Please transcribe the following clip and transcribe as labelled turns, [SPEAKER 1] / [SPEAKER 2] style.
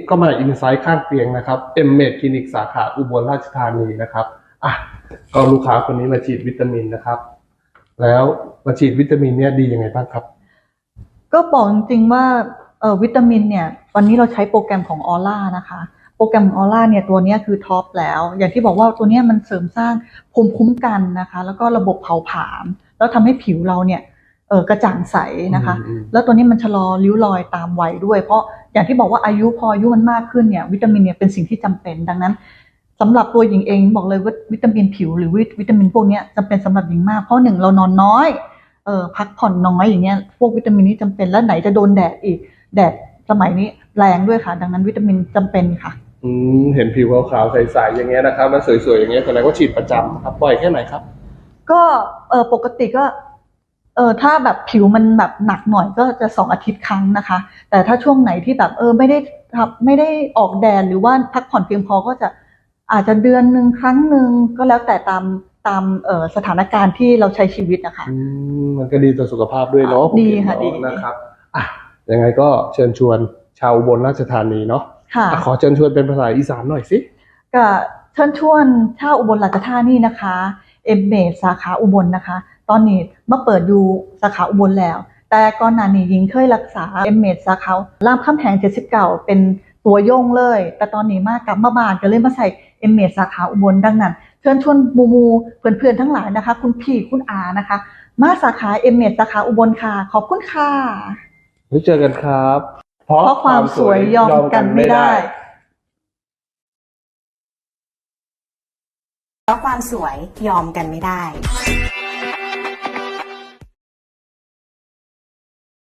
[SPEAKER 1] ก็มาอินไซต์ข้างเตียงนะครับเอ็มเมดคลินิกสาขาอุบลราชธานีนะครับอ่ะก็ลูกค้าคนนี้มาฉีดวิตามินนะครับแล้วมาฉีดวิตามินเนี่ยดียังไงบ้างครับ
[SPEAKER 2] ก็บอกจริงๆว่าวิตามินเนี่ยวันนี้เราใช้โปรแกรมของออร่านะคะโปรแกรมของออร่าเนี่ยตัวนี้คือท็อปแล้วอย่างที่บอกว่าตัวนี้มันเสริมสร้างภูมิคุ้มกันนะคะแล้วก็ระบบเผาผลาญแล้วทำให้ผิวเราเนี่ยกระจ่างใสนะคะแล้วตัวนี้มันชะลอริ้วรอยตามวัยด้วยเพราะอย่างที่บอกว่าพออายุมันมากขึ้นเนี่ยวิตามินเนี่ยเป็นสิ่งที่จำเป็นดังนั้นสำหรับตัวหญิงเองบอกเลยว่าวิตามินผิวหรือวิตามินพวกนี้จำเป็นสำหรับหญิงมากเพราะหนึ่งเรานอนน้อยพักผ่อนน้อยอย่างเงี้ยพวกวิตามินนี้จำเป็นแล้วไหนจะโดนแดดอีกแดดสมัยนี้แรงด้วยค่ะดังนั้นวิตามินจำเป็นค่ะ
[SPEAKER 1] เห็นผิวขาวๆใสๆอย่างเงี้ยนะครับมันสวยๆอย่างเงี้ยแสดงว่าฉีดประจำครับบ่อยแค่ไหนครับ
[SPEAKER 2] ก็ปกติก็ถ้าแบบผิวมันแบบหนักหน่อยก็จะ2 อาทิตย์ครั้งนะคะแต่ถ้าช่วงไหนที่แบบไม่ได้ออกแดดหรือว่าพักผ่อนเพียงพอก็จะอาจจะเดือนหนึ่งครั้งหนึ่งก็แล้วแต่ตามสถานการณ์ที่เราใช้ชีวิตนะคะ
[SPEAKER 1] มันก็ดีต่อสุขภาพด้วยเนาะ
[SPEAKER 2] ดีค่ะดี
[SPEAKER 1] นะครับอ่ะยังไงก็เชิญชวนชาวอุบลราชธานีเนาะ
[SPEAKER 2] ค่ะ
[SPEAKER 1] ขอเชิญชวนเป็นภาษาอีสานหน่อยสิ
[SPEAKER 2] ก็เชิญชวนชาวอุบลราชธานีนะคะเอ็มเมดสาขาอุบลนะคะตอนนี้มาเปิดอยู่สาขาอุบลแล้วแต่ก่อนหน้านี้หญิงเคยรักษาเอ็มเมดสาขารามคำแหง79เป็นตัวโยงเลยแต่ตอนนี้มากลับมาบ้านก็เลยมาใส่เอ็มเมดสาขาอุบลดังนั้นเชิญชวนมูเพื่อนๆทั้งหลายนะคะคุณพี่คุณอานะคะมาสาขาเอ็มเมดสาขาอุบลค่ะขอบคุณค่ะ
[SPEAKER 1] ไว้เจอกันครับ
[SPEAKER 2] เพราะความสวยยอมกันไม่ได้
[SPEAKER 3] เพราะความสวยยอมกันไม่ได้